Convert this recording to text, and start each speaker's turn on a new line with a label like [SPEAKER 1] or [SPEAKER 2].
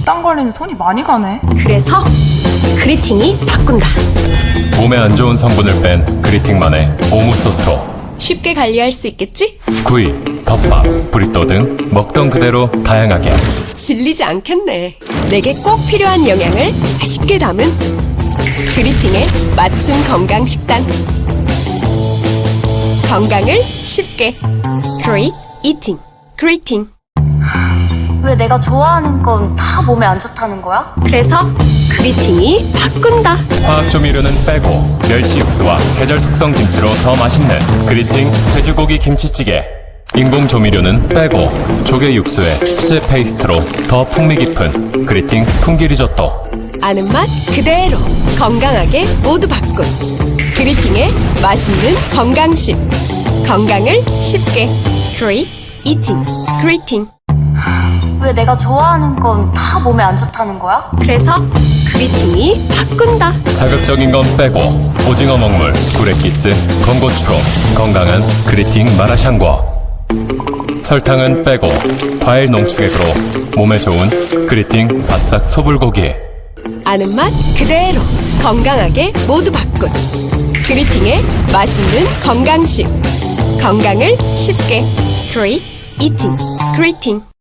[SPEAKER 1] 식단 관리는 손이 많이 가네.
[SPEAKER 2] 그래서 그리팅이 바꾼다.
[SPEAKER 3] 몸에 안 좋은 성분을 뺀 그리팅만의 오무 소스로
[SPEAKER 2] 쉽게 관리할 수 있겠지?
[SPEAKER 3] 구이, 덮밥, 브리또 등 먹던 그대로 다양하게
[SPEAKER 2] 질리지 않겠네. 내게 꼭 필요한 영양을 맛있게 담은 그리팅의 맞춤 건강 식단. 건강을 쉽게. Great Eating. 그리팅.
[SPEAKER 4] 왜 내가 좋아하는 건 다 몸에 안 좋다는 거야?
[SPEAKER 2] 그래서 그리팅이 바꾼다.
[SPEAKER 3] 화학 조미료는 빼고 멸치 육수와 계절 숙성 김치로 더 맛있는 그리팅 돼지고기 김치찌개. 인공 조미료는 빼고 조개 육수에 수제 페이스트로 더 풍미 깊은 그리팅 풍기 리조또.
[SPEAKER 2] 아는 맛 그대로 건강하게 모두 바꾼 그리팅의 맛있는 건강식. 건강을 쉽게. Great Eating. 그리팅.
[SPEAKER 4] 왜 내가 좋아하는 건 다 몸에 안 좋다는 거야?
[SPEAKER 2] 그래서 그리팅이 바꾼다.
[SPEAKER 3] 자극적인 건 빼고 오징어 먹물, 구레키스, 건고추로 건강한 그리팅 마라샹궈. 설탕은 빼고 과일 농축액으로 몸에 좋은 그리팅 바싹 소불고기.
[SPEAKER 2] 아는 맛 그대로 건강하게 모두 바꾼 그리팅의 맛있는 건강식. 건강을 쉽게. Great Eating. 그리팅.